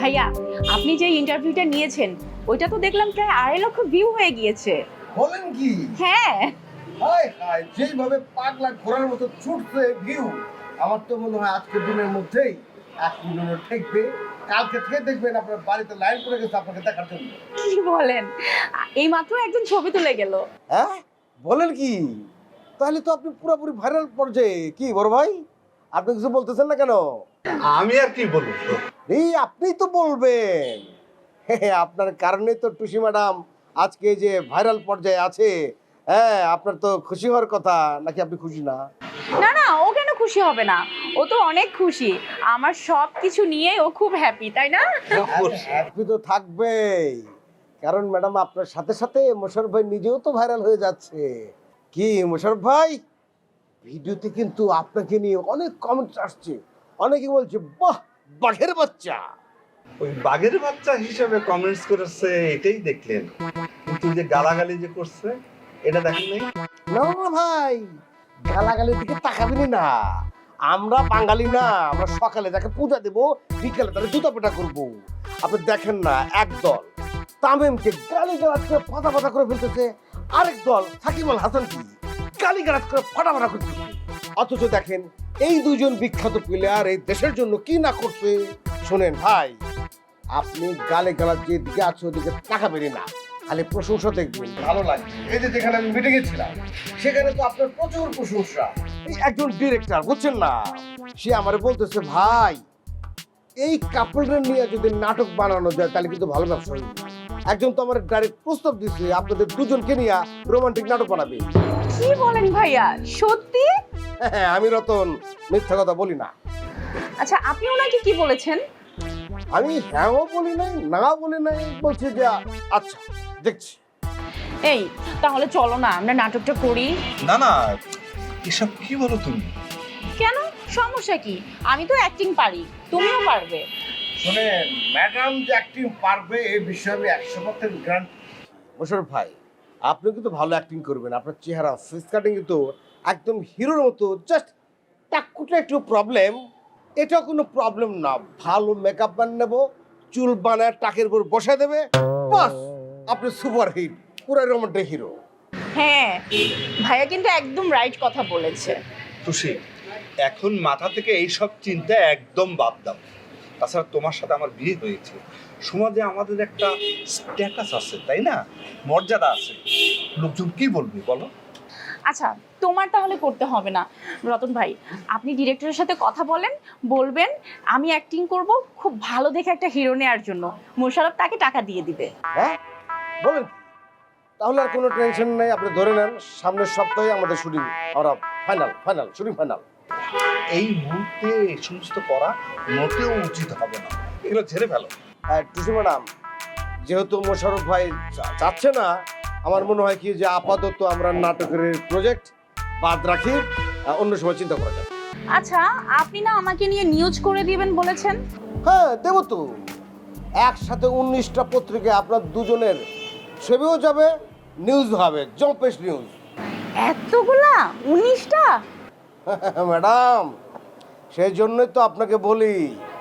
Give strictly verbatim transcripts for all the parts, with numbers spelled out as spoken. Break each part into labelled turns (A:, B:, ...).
A: ভাইয়া, আপনি যে ইন্টারভিউটা নিয়েছেন ওইটা তো দেখলাম প্রায় আড়াই লক্ষ ভিউ হয়ে গিয়েছে।
B: বলেন কি?
A: হ্যাঁ।
B: হায় হায়, যেইভাবে পাগলা ঘোড়ার মতো ছুটছে ভিউ, আমার তো মনে হয় আজকের দিনের মধ্যেই এক মিলিয়ন ঠেকবে। কালকে থেকে দেখবেন আপনার বাড়িতে লাইন পড়ে গেছে আপনাকে দেখার জন্য।
A: কি বলেন? এই মাত্র একজন ছবি তুলে গেল।
B: হ্যাঁ বলেন কি? তাহলে তো আপনি পুরোপুরি ভাইরাল পর্যায়ে। কি বড় ভাই, আপনি কিছু বলতেছেন না কেন?
C: আমি আর কি বলবো?
B: এই আপনি তো বলবেন। আপনার কারণে তো টুসি ম্যাডাম আজকে যে ভাইরাল পর্যায়ে আছে। হ্যাঁ, আপনার তো খুশি হওয়ার কথা, নাকি আপনি খুশি না?
A: না না, ও কেন খুশি হবে না? ও তো অনেক খুশি। আমার সব কিছু নিয়ে ও খুব হ্যাপি, তাই না?
B: হ্যাপি তো থাকবেই, কারণ ম্যাডাম আপনার সাথে সাথে মোশাররফ ভাই নিজেও তো ভাইরাল হয়ে যাচ্ছে। কি মোশাররফ ভাই, ভিডিওতে কিন্তু আপনাকে নিয়ে অনেক কমেন্টস আসছে। অনেকে বলছে বাহ বাঘের বাচ্চা।
C: ওই বাঘের বাচ্চা হিসেবে কমেন্টস করেছে এটাই দেখলেন, কিন্তু যে গালাগালি যে করছে এটা দেখেন নাই?
B: না না ভাই, গালাগালির দিকে তাকাবেনি না। আমরা বাঙালি না, আমরা সকালে তাকে পূজা দেবো, বিকেলে তাকে জুতা পেটা করবো। আপনি দেখেন না, এক দল তামিমকে গালি গালাজ করে ফাটা ফাটা করে ফেলতেছে, আরেক দল সাকিব আল হাসানকে গালি গালাজ করে ফাটা ফাটা করতেছে। অথচ দেখেন এই দুজন বিখ্যাত প্লেয়ার এই দেশের জন্য কি না করছে। শোনেন ভাই, আপনি গালে গালাজ যে দিকে আছে ওদিকে তাকাবেনি না, খালি প্রশংসা দেখবেন, ভালো লাগবে। এই যে যেখানে আমি মিটিং এ ছিলাম সেখানে তো আপনার প্রচুর প্রশংসা। এই একজন ডিরেক্টর বুঝছেন না, সে আমারে বলতেছে ভাই এই কাপড়ের নিয়ে যদি নাটক বানানো যায় তাহলে কিন্তু ভালো ব্যবসা হবে। একজন তো আমার ডাইরেক্ট প্রস্তাব দিচ্ছে আপনাদের দুজনকে নিয়ে রোমান্টিক নাটক বানাবে।
A: কি বলেন ভাইয়া, সত্যি?
B: হ্যাঁ, আমি রতন মিথ্যা কথা বলি না।
A: আচ্ছা, আপনি ওনাকে কি বলেছেন?
B: আমি হ্যাঁও বলি নাই না বলি নাই, বলছি যে আচ্ছা দেখছি।
A: এই তাহলে চলো না আমরা নাটকটা করি।
C: না না, এসব কি বলো তুমি?
A: কেন, সমস্যা কি? আমি তো অ্যাক্টিং পারি, তুমিও পারবে।
B: শুনেন ম্যাডাম যে অ্যাক্টিং পারবে এই বিষয়ে আমি একশো পার্সেন্ট গ্যারান্টি। মোশাররফ ভাই, আপনি কিন্তু ভালো অ্যাক্টিং করবেন। আপনার চেহারা ফেস কাটিং কিন্তু একদম হিরোর মতো। জাস্ট টাকুটা একটু প্রবলেম, এটা কোনো প্রবলেম না। ভালো মেকআপ বান নেব, চুল বানায় টাকের উপর বসে দেবে, বাস আপনি সুপার হিট, পুরো রোমান্টিক হিরো।
A: হ্যাঁ, ভাইয়া কিন্তু একদম রাইট কথা বলেছে।
C: খুশি, এখন মাথা থেকে এইসব চিন্তা একদম বাদ দাও। তাছাড়া তোমার সাথে আমার বিয়ে হয়েছে, সমাজে আমাদের একটা স্ট্যাটাস আছে, তাই না? মর্যাদা আছে। লোকজন কি বলবে বলো?
A: আচ্ছা, তোমার তাহলে করতে হবে না। রতন ভাই, আপনি ডিরেক্টরের সাথে কথা বলেন, বলবেন আমি অ্যাক্টিং করব, খুব ভালো দেখে একটা হিরো নেওয়ার জন্য মোশাররফ তাকে টাকা দিয়ে দিবে।
B: হ্যাঁ বলেন কি? তাহলে আর কোনো টেনশন নেই, আপনি ধরে নেন সামনের সপ্তাহে আমাদের শুটিং, আমরা ফাইনাল ফাইনাল শুটিং ফাইনাল।
C: এই মুহূর্তে এই সমস্ত করা মোটেও উচিত হবে না, এগুলো ছেড়ে ফেলো।
B: হ্যাঁ টুসু ম্যাডাম, যেহেতু মোশাররফ ভাই চা- চাচ্ছে না, আমার মনে হয় কি যে আপাতত আমরা নাটকের প্রজেক্ট বাদ রাখি, আহ, অন্য সময় চিন্তা করা যাবে।
A: আচ্ছা, আপনি না আমাকে নিয়ে নিউজ করে দিবেন বলেছেন?
B: হ্যাঁ দেবো তো, একসাথে উনিশটা পত্রিকায় আপনার দুজনের ছবিও যাবে, নিউজ হবে, জম্পেশ নিউজ।
A: এতগুলা? উনিশটা?
B: ম্যাডাম, সেই জন্যই তো আপনাকে বলি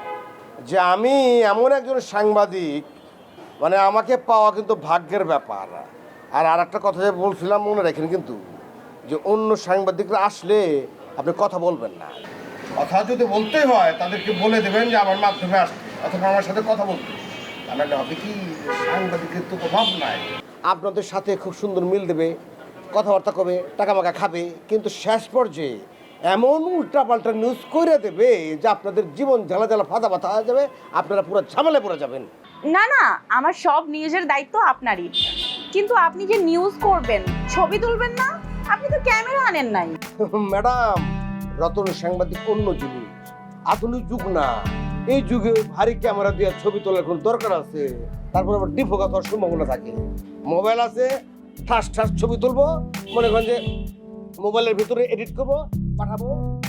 B: যে আমি এমন একজন সাংবাদিক, মানে আমাকে পাওয়া কিন্তু ভাগ্যের ব্যাপার। আর আর একটা কথা যে বলছিলাম মনে রাখেন কিন্তু, যে অন্য সাংবাদিকরা আসলে আপনি কথা বলবেন না। কথা যদি বলতে হয় তাদেরকে বলে দেবেন যে আমার মাধ্যমে আসতে, অথবা আমার সাথে কথা বলতে। তাহলে হবে কি, সাংবাদিকের তো প্রভাব নাই, আপনাদের সাথে খুব সুন্দর মিল দেবে, কথাবার্তা কবে, টাকা মাকা খাবে, কিন্তু শেষ পর্যায়ে এমন উল্টাপাল্টা নিউজ করে দেবে যে আপনাদের জীবন জ্বালা জ্বালা ফাঁদা ফাঁদা হয়ে যাবে, আপনারা পুরো ঝামেলায় পড়ে যাবেন।
A: না না, আমার সব নিউজের দায়িত্ব আপনারই, কিন্তু আপনি যে নিউজ করবেন, ছবি তুলবেন না, আপনি তো ক্যামেরা আনেন নাই।
B: ম্যাডাম, রতন সাংবাদিক অন্য জিনিস, আধুনিক যুগ না। এই যুগে ভারী ক্যামেরা দিয়ে ছবি তোলার কোনো দরকার আছে? তারপর আবার ডিফোকাস হওয়ার সম্ভাবনা থাকে। মোবাইল আছে, ঠাস ঠাস ছবি তুলবো, মনে করেন যে মোবাইলের ভিতরে এডিট করবো, পাঠাবো,